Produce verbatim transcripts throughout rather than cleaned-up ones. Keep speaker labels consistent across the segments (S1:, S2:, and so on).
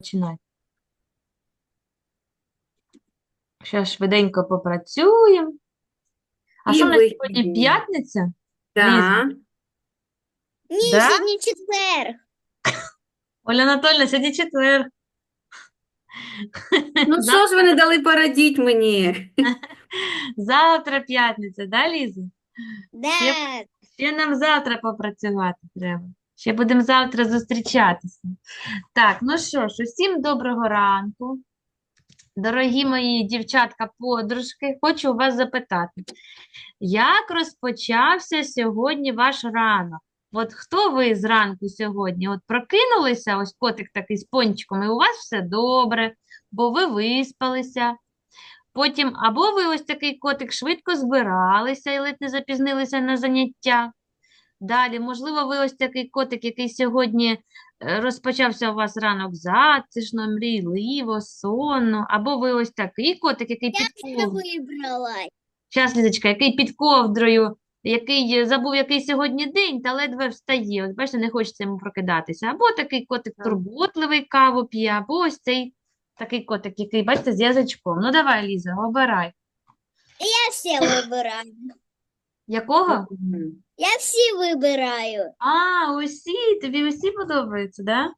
S1: починай. Зараз швиденько попрацюємо. А
S2: І
S1: що в нас сьогодні
S2: вихідні.
S1: п'ятниця? Ліза,
S2: Так.
S3: Ні,
S1: да?
S3: сьогодні четвер.
S1: Оля Анатольевна, сьогодні четвер.
S2: Ну що ж ви
S1: Завтра,
S2: не дали порадіть мені?
S1: завтра п'ятниця, да, Ліза? Ще,
S3: Да.
S1: ще нам завтра попрацювати треба. Ще будемо завтра зустрічатися. Так, ну що ж, усім доброго ранку. Дорогі мої дівчатка-подружки, хочу у вас запитати, як розпочався сьогодні ваш ранок? От хто ви зранку сьогодні? От прокинулися, ось котик такий з пончиком, і у вас все добре, бо ви виспалися. Потім або ви ось такий котик швидко збиралися і ледь не запізнилися на заняття. Далі, можливо, ви ось такий котик, який сьогодні е, розпочався у вас ранок затишно, мрійливо, сонно, або ви ось такий котик, який
S3: Я
S1: під
S3: все
S1: ковдрою.
S3: вибрала.
S1: Щас, Лізочка, який під ковдрою, який е, забув, який сьогодні день, та ледве встає. От бачите, не хочеться йому прокидатися. Або такий котик
S2: Так.
S1: турботливий, каву п'є, або ось цей такий котик, який, бачите, з язичком. Ну давай, Ліза, обирай.
S3: Я все вибираю.
S1: Якого?
S2: Мгм.
S3: Я всі вибираю.
S1: А, усі, тобі усі подобаються, да?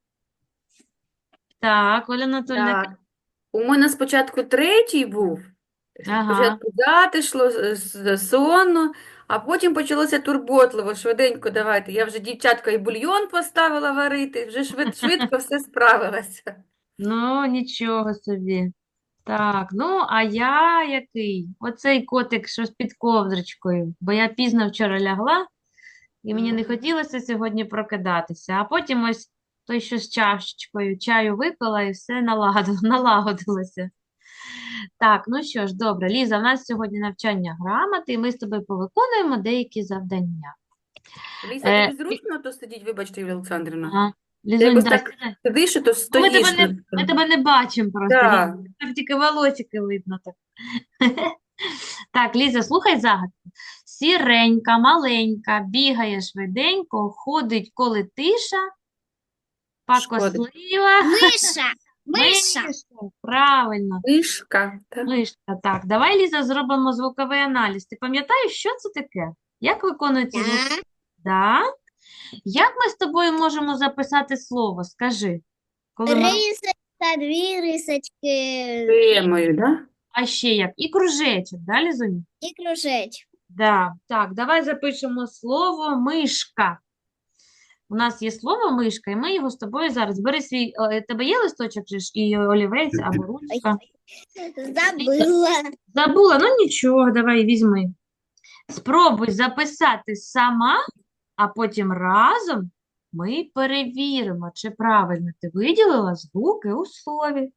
S1: Так, Оля Анатольевна.
S2: Так. У мене спочатку третій був.
S1: Ага.
S2: Спочатку затишло, з- з- сонно, а потім почалося турботливо, швиденько давайте. Я вже дівчатка і бульйон поставила варити, вже швид, швидко все справилася.
S1: Ну, нічого собі. Так, ну, а я який? Оцей котик, що з під ковдрочкою, бо я пізно вчора лягла, і мені не хотілося сьогодні прокидатися. А потім ось той, що з чашечкою чаю випила, і все налагодило, налагодилося. Так, ну що ж, добре, Ліза, в нас сьогодні навчання грамоти, і ми з тобою повиконуємо деякі завдання.
S2: Ліса,
S1: Е,
S2: тобі зручно то сидіть, вибачте, Юлія Олександрівна?
S1: ага.
S2: Ти
S1: Лізунь,
S2: якось
S1: да,
S2: так
S1: сідай.
S2: сидиш, і то
S1: Ну, ми тебе
S2: стоїш.
S1: не, ми тебе не бачимо просто, Ліза.
S2: Так.
S1: Там тільки волосики видно так. Так, Ліза, слухай загадку. Сіренька, маленька, бігає швиденько, ходить, коли тиша,
S2: Шкода.
S1: пакослива.
S3: Миша. Миша.
S1: Мишка, правильно.
S2: Мишка. Так.
S1: Мишка, так. Давай, Ліза, зробимо звуковий аналіз. Ти пам'ятаєш, що це таке? Як виконується звук?
S3: Да.
S1: Да? Як ми з тобою можемо записати слово? Скажи. Коли ми...
S3: Рисочка, дві рисочки
S2: Темою, да?
S1: А ще як? І кружечок, да, Лізунь?
S3: і кружечок.
S1: Да. Так, давай запишемо слово мишка. У нас є слово мишка, і ми його з тобою зараз. Бери свій, е, тебе є листочок же ж, і олівець або
S3: Ой,
S1: ручка.
S3: забыла.
S1: Забула, ну нічого, давай візьми. Спробуй записати сама, а потім разом ми перевіримо, чи правильно ти виділила звуки у слові.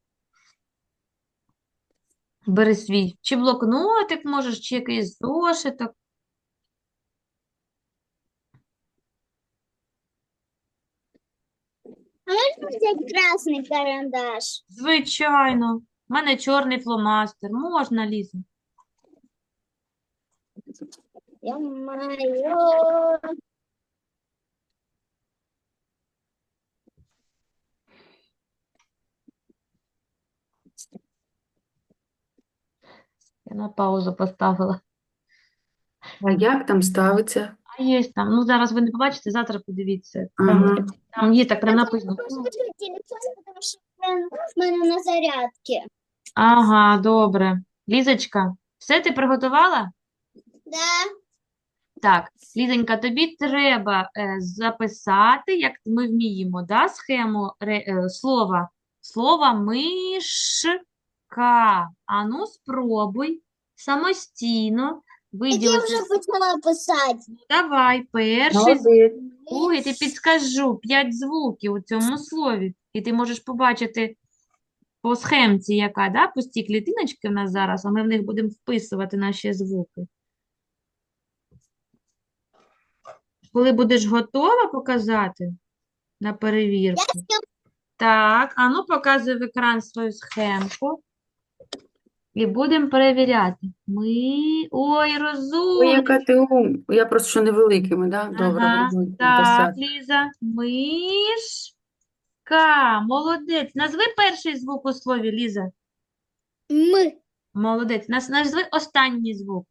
S1: Бери свій чи блокнотик можеш, чи якийсь зошиток.
S3: А можно взять красный карандаш?
S1: Звичайно. У мене чорний фломастер. Можна, Ліза.
S3: Ё-моё.
S1: Я на паузу поставила.
S2: А як там ставиться?
S1: А є там. Ну, зараз ви не побачите, завтра подивіться. Там,
S2: Ага.
S1: там є так прям
S3: Я
S1: написано.
S3: просто положу телефон, потому что он в мене на зарядке.
S1: Ага, добре. Лізочка, все ти приготувала?
S3: Да.
S1: Так, Лізонька, тобі треба е, записати, як ми вміємо, да, схему ре, е, слова. Слова мишка. Ану, спробуй самостійно
S3: Так я
S1: виділити.
S3: вже почала писати.
S1: Давай, перший звук,
S2: Молодець.
S1: другий, ти підскажу п'ять звуків у цьому слові. І ти можеш побачити по схемці, яка, да, пусті клітиночки в нас зараз, а ми в них будемо вписувати наші звуки. Коли будеш готова показати на перевірку. Так, а ну показуй в екран свою схемку. І будемо перевіряти. Ми. Ой,
S2: Ой,
S1: розумно.
S2: яка ти ум. Я просто що невеликими, да? Добре,
S1: Ага,
S2: буду
S1: так,
S2: писати.
S1: Ліза. Миш. К, молодець. Назви перший звук у слові, Ліза.
S3: М.
S1: Молодець. Нас- Назви останній звук.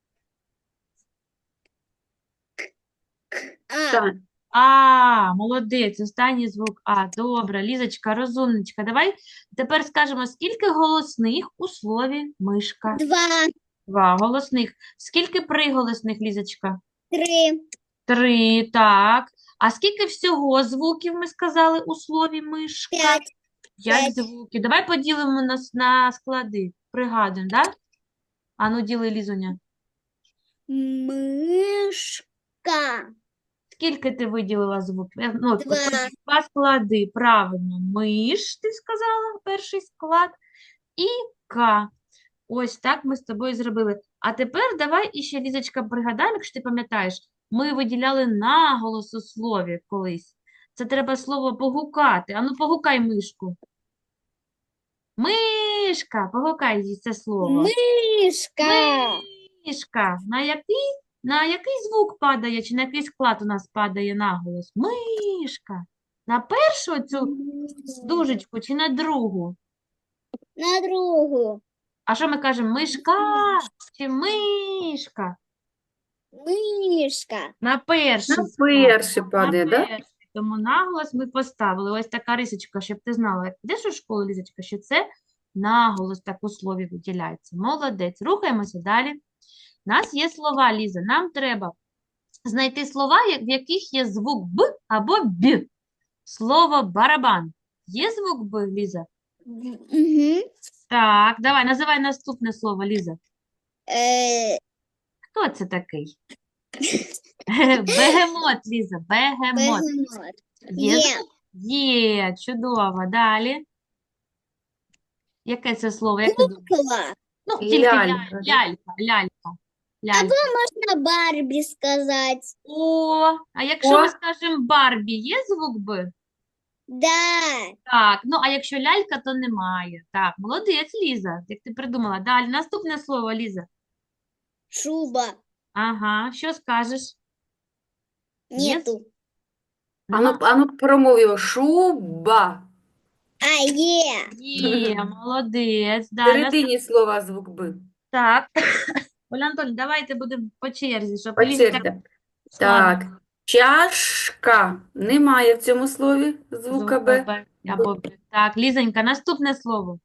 S3: А.
S2: Так.
S1: А, молодець, останній звук А. Добре, Лізочка, розумничка. Давай тепер скажемо, скільки голосних у слові мишка?
S3: Два.
S1: Два голосних. Скільки приголосних, Лізочка?
S3: Три.
S1: Три, так. А скільки всього звуків ми сказали у слові мишка?
S3: П'ять.
S1: П'ять
S3: П'ять.
S1: звуків. Давай поділимо на, с- на склади. Пригадуємо, так? А ну, діли, Лізуня.
S3: Мишка.
S1: Скільки ти виділила звуків? Е, Ну,
S3: Два.
S1: поділ- два склади. Правильно. Миш, ти сказала, перший склад. І К. Ось так ми з тобою зробили. А тепер давай іще, Лізочка, пригадаємо, якщо ти пам'ятаєш, ми виділяли наголос у слові колись. Це треба слово погукати. Ану, погукай мишку. Мишка, погукай їй це слово.
S3: Мишка.
S1: Мишка. На який, на який звук падає, чи на який склад у нас падає наголос? Мишка. На першу цю дужечку чи на другу?
S3: На другу.
S1: А що ми кажемо? Мишка чи мишка?
S3: Мишка.
S1: На перший
S2: На
S1: склад.
S2: перший
S1: На
S2: падає, да?
S1: перший. Тому наголос ми поставили. Ось така рисочка, щоб ти знала, як йдеш у школу, Лізочка, що це наголос так у слові виділяється. Молодець. Рухаємося далі. У нас є слова, Ліза. Нам треба знайти слова, я- в яких є звук Б або Б. Слово барабан. Є звук Б, Ліза?
S3: Угу.
S1: Так, давай, називай наступне слово, Ліза.
S3: Е,
S1: Хто це такий? Бегемот, Ліза, бегемот.
S3: бегемот.
S1: Є
S3: Є.
S1: звук? Є, чудово. Далі. Яке це слово, як ти думаєш?
S3: Кукла.
S1: Ну, тільки
S2: Лялька,
S1: ляль-
S2: да?
S1: лялька, лялька, лялька.
S3: Можна Барбі сказати.
S1: О, а якщо
S2: О.
S1: ми скажемо Барбі, є звук Б?
S3: Да.
S1: Так, ну а якщо лялька, то немає. Так, молодець, Ліза, як ти придумала. Далі, наступне слово, Ліза.
S3: Шуба.
S1: Ага, що скажеш? Є?
S3: Нету.
S2: Ану,
S1: Нема?
S2: ану промов його. Шуба.
S3: А, є.
S1: Є, молодець.
S2: В
S1: Далі,
S2: середині слова звук Б.
S1: так. Оля Анатольовна, давайте будемо по черзі, щоб
S2: По
S1: Лізі так
S2: черзі.
S1: складно.
S2: Так. Чашка. Немає в цьому слові звука Б.
S1: Б або Б. Так, Лізонька, наступне слово.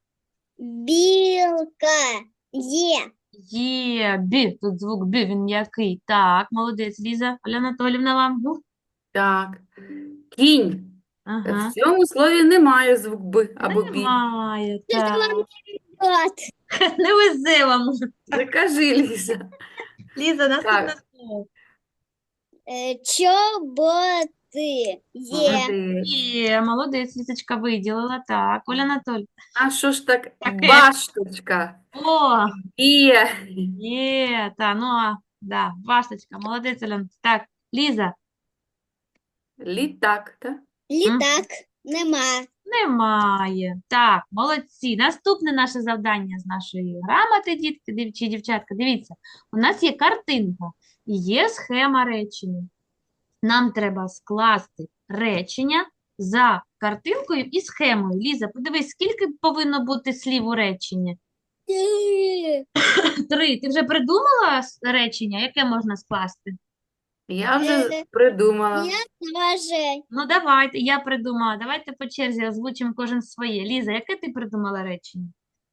S3: Білка. Є.
S1: Є, Б. Тут звук Б, він м'який. Так, молодець, Ліза. Оля Анатолівна вам. Ну,
S2: Так. Кінь.
S1: ага.
S2: В цьому слові немає звук Б або Бі.
S1: Немає,
S3: Це
S1: так.
S3: вам От.
S1: Не везе вам.
S2: Закажи, Ліза.
S1: Ліза, наступне
S2: Так.
S1: слово.
S3: Е, Чоботи. Є.
S2: Молодець.
S1: Є, молодець, Лізочка виділила. Так, Оля Анатолівна.
S2: А що ж так?
S1: Таке.
S2: Башточка.
S1: О,
S2: Є.
S1: є, та, ну, а, да, башточка, молодець, Оля Анатолівна. Так, Ліза.
S2: Літак, так?
S3: Літак. Нема.
S1: Немає. Так, молодці. Наступне наше завдання з нашої грамоти, дітки, дів- чи дівчатка. Дивіться, у нас є картинка і є схема речення. Нам треба скласти речення за картинкою і схемою. Ліза, подивись, скільки повинно бути слів у реченні?
S3: Ти.
S1: Три. Ти вже придумала с- речення, яке можна скласти?
S2: Я вже
S3: Е,
S2: придумала.
S3: Я теж.
S1: Ну, давайте, я придумала. Давайте по черзі озвучимо кожен своє. Ліза, яке ти придумала речення?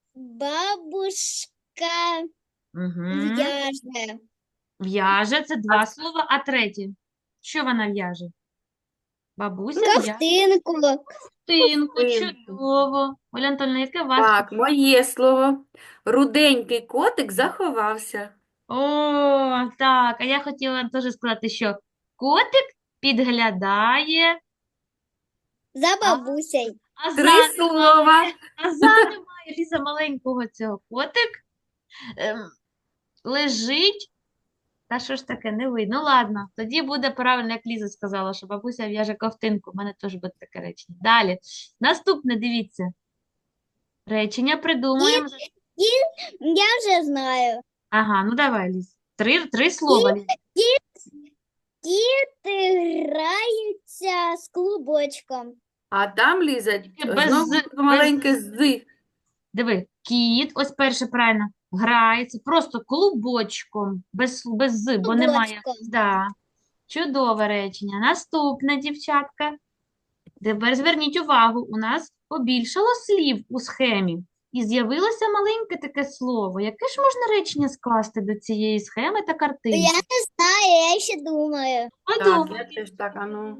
S3: Бабушка
S1: Угу.
S3: в'яже.
S1: В'яже це два слова, а третє. Що вона в'яже? Бабуся в'яже
S3: Ковтинку.
S1: ковтинку.
S2: Ковтинку.
S1: Чудово. Оля Антонівна, яке у вас?
S2: Так, моє слово. Руденький котик заховався.
S1: О, так. А я хотіла теж сказати, що котик підглядає,
S3: За бабусею.
S1: а за
S2: Три
S1: немає.
S2: слова.
S1: А за немає, Ліза, маленького цього. Котик ем, лежить. Та що ж таке, не видно. Ну, ладно, тоді буде правильно, як Ліза сказала, що бабуся в'яже ковтинку. У мене теж буде таке речення. Далі. Наступне, дивіться. Речення придумуємо.
S3: Я вже знаю.
S1: Ага, ну давай, Ліз. Три, три слова, Ліз.
S3: Діти граються з клубочком.
S2: А там, Ліза,
S1: Без
S2: знову
S1: з, без
S2: маленьке з.
S1: Диви, кіт, ось перше правильно, грається просто клубочком, без, без з, бо немає.
S3: Клубочком.
S1: Да. Чудове речення. Наступне, дівчатка. Тепер зверніть увагу, у нас побільшало слів у схемі. І з'явилося маленьке таке слово. Яке ж можна речення скласти до цієї схеми та
S3: Я
S1: картинки?
S3: не знаю, я ще думаю.
S2: Так,
S1: Подумай.
S2: я теж так, а ну.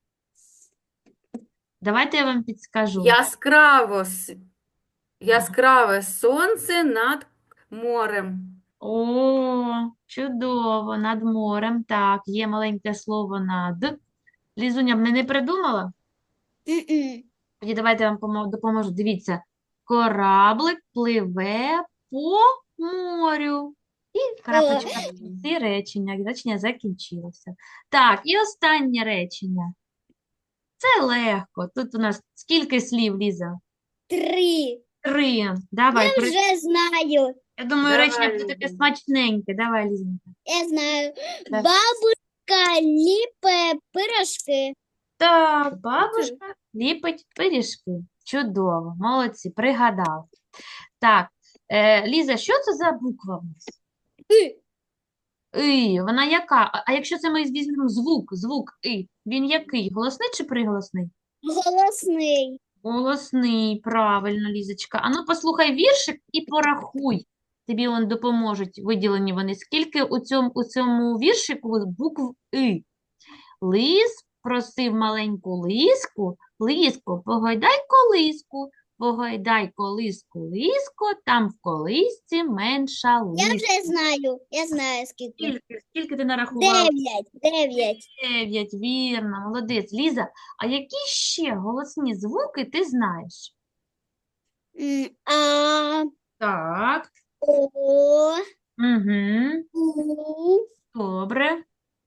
S1: Давайте я вам підскажу.
S2: Яскраво, с- яскраве сонце над морем.
S1: О, чудово, над морем. Так, є маленьке слово над. Лізуня, мене не придумала?
S3: М-м.
S1: Тоді давайте я вам помо- допоможу. Дивіться, кораблик пливе по морю. І крапочка в кінці речення. Речення закінчилося. Так, і останнє речення. Це легко. Тут у нас скільки слів, Ліза?
S3: Три.
S1: Три. Давай, при...
S3: Вже знаю.
S1: я думаю, речення
S2: Давай,
S1: буде таке
S2: Ліза.
S1: смачненьке. Давай, Лізенька.
S3: Я знаю.
S1: Да.
S3: Бабушка ліпе пирожки.
S1: Так, бабушка ліпить пиріжки. Чудово, молодці, пригадали. Так, е, Ліза, що це за буква в нас?
S3: И.
S1: И, вона яка? А, а якщо це ми візьмемо звук, звук И, він який? Голосний чи приголосний?
S3: Голосний.
S1: Голосний, правильно, Лізочка. Ану, послухай віршик і порахуй. Тобі он допоможуть, виділені вони. Скільки у цьому, у цьому віршику букв И? Лис просив маленьку лиску, лиску, погойдай колиску, погойдай колиску, лиско, там в колисці менша
S3: Я
S1: лиска.
S3: вже знаю. Я знаю скільки.
S1: Скільки, скільки ти нарахувала?
S3: Дев'ять. Дев'ять.
S1: Дев'ять, вірно, молодець. Ліза, а які ще голосні звуки ти знаєш?
S3: М, А,
S1: Так,
S3: О,
S1: угу,
S3: У,
S1: добре.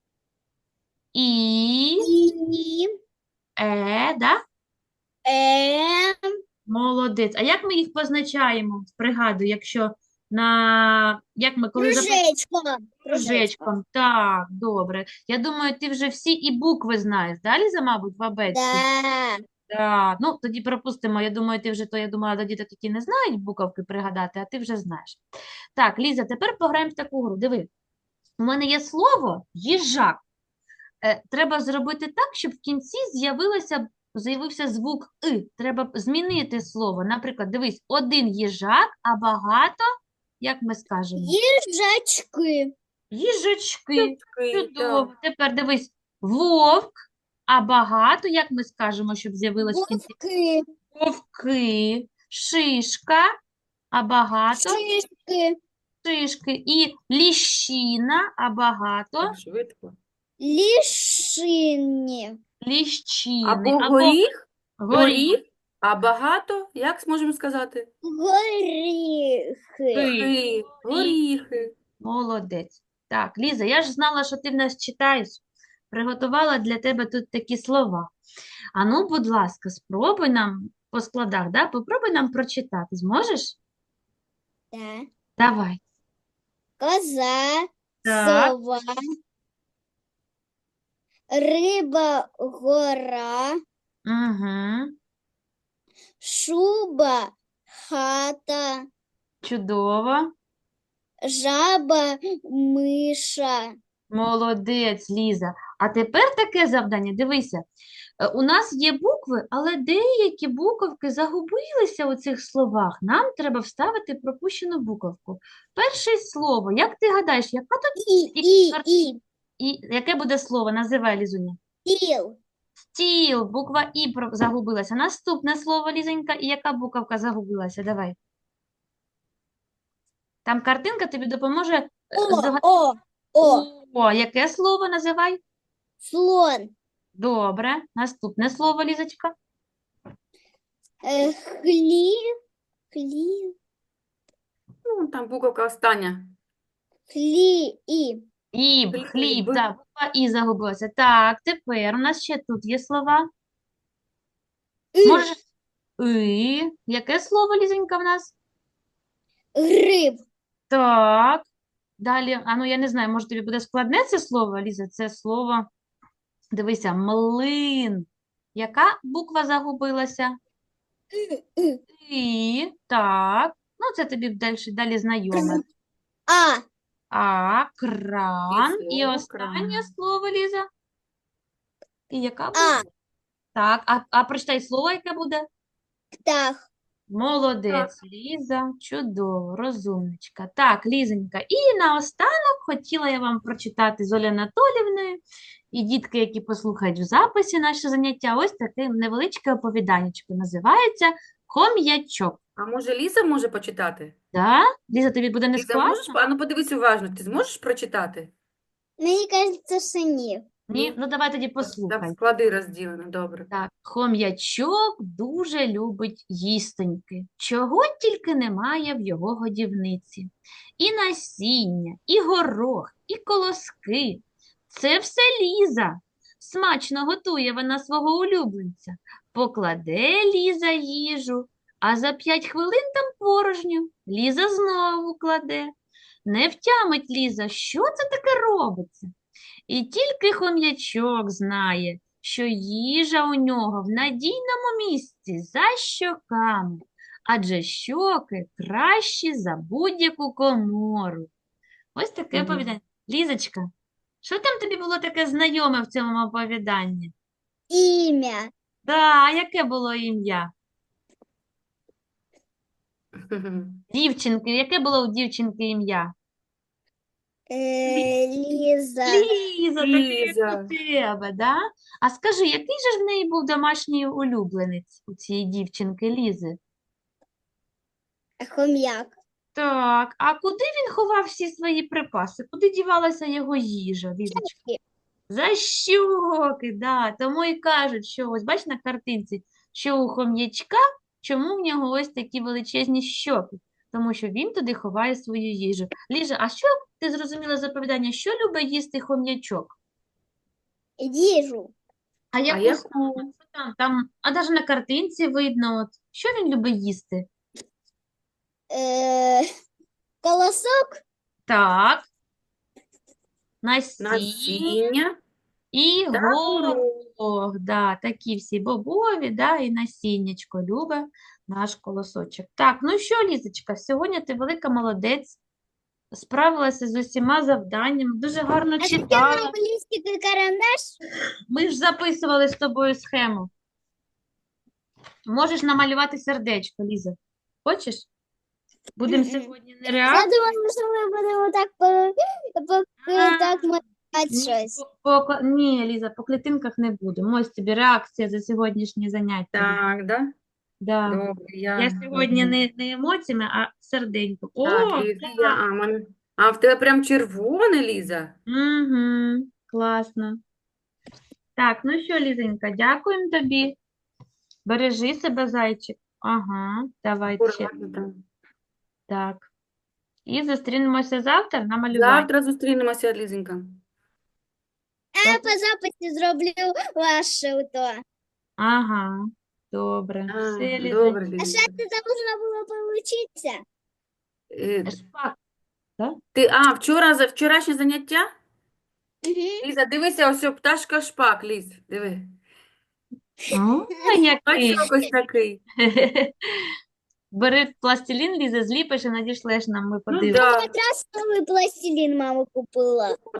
S1: І,
S3: І,
S1: Е, да?
S3: Е,
S1: Молодець. А як ми їх позначаємо? Пригадую, якщо на як ми коли записуємо
S3: кружечко.
S1: кружечком. Так, добре. Я думаю, ти вже всі і букви знаєш. Да, Ліза, мабуть, в абетці?
S3: Да.
S1: Так. Ну, тоді пропустимо. Я думаю, ти вже то, я думала, до діток, які не знають буковки пригадати, а ти вже знаєш. Так, Ліза, тепер пограємо в таку гру. Диви, у мене є слово їжак. Е, треба зробити так, щоб в кінці з'явилося, з'явився звук «и». Треба змінити слово. Наприклад, дивись, один їжак, а багато, як ми скажемо?
S3: Їжачки.
S1: Їжачки.
S2: Такий,
S1: Чудово.
S2: так.
S1: Тепер дивись, вовк, а багато, як ми скажемо, щоб з'явилось в кінці?
S3: Вовки.
S1: Вовки. Шишка, а багато?
S3: Шишки.
S1: Шишки. І ліщина, а багато?
S2: Так швидко.
S3: Лішині.
S1: Ліщини.
S2: Або
S1: Або
S2: горіх,
S1: горіх.
S2: горіх, а багато, як зможемо сказати?
S3: Горіхи.
S2: Горіхи, горіхи.
S1: Молодець. Так, Ліза, я ж знала, що ти в нас читаєш. Приготувала для тебе тут такі слова. А ну, будь ласка, спробуй нам по складах, да? Попробуй нам прочитати. Зможеш?
S3: Да.
S1: Давай.
S3: Коза,
S1: Так.
S3: сова, риба, гора,
S1: Угу.
S3: шуба, хата,
S1: Чудово.
S3: жаба, миша.
S1: Молодець, Ліза. А тепер таке завдання. Дивися, е, у нас є букви, але деякі буковки загубилися у цих словах. Нам треба вставити пропущену буковку. Перше слово. Як ти гадаєш, яка тут
S3: І, і,
S1: кар-
S3: і,
S1: і яке буде слово? Називай, Лізуня.
S3: тіл.
S1: Стіл, буква І про- загубилася. Наступне слово, Лізонька, і яка буковка загубилася? Давай. Там картинка тобі допоможе е,
S3: О,
S1: здога-
S3: о, о,
S1: О, яке слово називай?
S3: слон.
S1: Добре. Наступне слово, Лізочка.
S3: Е, хліб, хліб,
S2: Ну, там буковка остання.
S3: хліб.
S1: Хліб,
S2: Хліб.
S1: хліб, так, буква І загубилася. Так, тепер у нас ще тут є слова.
S3: І,
S1: Можеш І. Яке слово, Лізонька, в нас?
S3: гриб.
S1: Так. Далі, а ну я не знаю, може тобі буде складне це слово, Ліза? Це слово, дивися, млин. Яка буква загубилася? І, так. Ну, це тобі далі, далі знайоме.
S3: А.
S1: А, кран. І
S2: Візок,
S1: останнє
S2: кран.
S1: слово, Ліза. І яка буде?
S3: А.
S1: Так, а, а прочитай слово, яке буде?
S3: Птах.
S1: Молодець, Ліза, чудово, розумничка. Так, Лізонька, і наостанок хотіла я вам прочитати з Олею Анатоліївною і дітки, які послухають в записі наше заняття, ось таке невеличке оповіданнячко. Називається «Хом'ячок».
S2: А може Ліза може почитати?
S1: Да? Ліза, тобі буде не
S2: Ліза, можеш?
S1: складно?
S2: А ну подивись уважно, ти зможеш прочитати?
S3: Мені кажеться, що ні.
S1: Ні? Ну, давай тоді
S2: Там
S1: послухай.
S2: склади розділено, добре.
S1: Так, хом'ячок дуже любить їстоньки, чого тільки немає в його годівниці. І насіння, і горох, і колоски. Це все Ліза. Смачно готує вона свого улюбленця. Покладе Ліза їжу, а за п'ять хвилин там порожню. Ліза знову кладе. Не втямить Ліза, що це таке робиться. І тільки хом'ячок знає, що їжа у нього в надійному місці за щоками, адже щоки кращі за будь-яку комору. Ось таке
S2: Мгм.
S1: оповідання. Лізочка, що там тобі було таке знайоме в цьому оповіданні?
S3: Ім'я.
S1: Да, яке було ім'я? Дівчинки, яке було у дівчинки ім'я?
S3: Е, Ліза.
S1: Ліза, таке як
S2: Ліза.
S1: у тебе, да? А скажи, який же ж в неї був домашній улюбленець у цієї дівчинки Лізи?
S3: Хом'як.
S1: Так, а куди він ховав всі свої припаси? Куди дівалася його їжа, Лізочка? За щоки, да. Тому і кажуть, що ось бач на картинці, що у хом'ячка, чому в нього ось такі величезні щоки? Тому що він туди ховає свою їжу. Ліжа, а що ти зрозуміла з оповідання, що любить їсти хом'ячок?
S3: Їжу.
S1: А яку
S2: яку?
S1: саме? Що там, там, а навіть на картинці видно, от, що він любить їсти?
S3: Е, Колосок.
S1: Так, насіння
S2: Насіння
S1: і
S2: та горох.
S1: горох, да, такі всі бобові, да, і насіннячко любить наш колосочок. Так, ну що, Лізочка, сьогодні ти велика молодець, справилася з усіма завданнями, дуже гарно
S3: А таке
S1: читала.
S3: нам лістик і карандаш.
S1: Ми ж записували з тобою схему. Можеш намалювати сердечко, Ліза. Хочеш? Будемо
S3: Мгм.
S1: сьогодні не
S3: Я
S1: реакцію.
S3: думала, що ми будемо так по, по,
S1: А,
S3: так малювати
S1: Ні,
S3: щось.
S1: по, по, ні, Ліза, по клітинках не будемо. Ось тобі реакція за сьогоднішнє заняття.
S2: Так, да?
S1: Да.
S2: Добре, я.
S1: Я сьогодні
S2: Мгм.
S1: не, не емоціями, а серденько. О,
S2: Так, Ліза,
S1: так.
S2: я, а, мене... а в тебе прям червоне, Ліза?
S1: Угу, класно. Так, ну що, Лізенька, дякуємо тобі. Бережи себе, зайчик. Ага, давай ще.
S2: Акуратно там.
S1: Так. І зустрінемося завтра на малюванні.
S2: Завтра зустрінемося, Лізенька.
S3: А я по записі зроблю ваше то.
S1: Ага, добре.
S2: А,
S1: Все,
S2: добре,
S3: А
S2: Лізенька.
S3: що це должно було получитися?
S2: Е,
S1: Шпак.
S2: Ти, а, вчора, за вчорашнє заняття?
S3: Угу.
S2: Ліза, дивися, ось о, пташка шпак, Ліз, диви.
S1: О, який.
S2: Бачиш, ось такий.
S1: Бери пластилін, Ліза, зліпиш і надішлеш нам, ми
S2: Ну,
S1: подивимося.
S2: да.
S3: Якраз новий пластилін мама купила.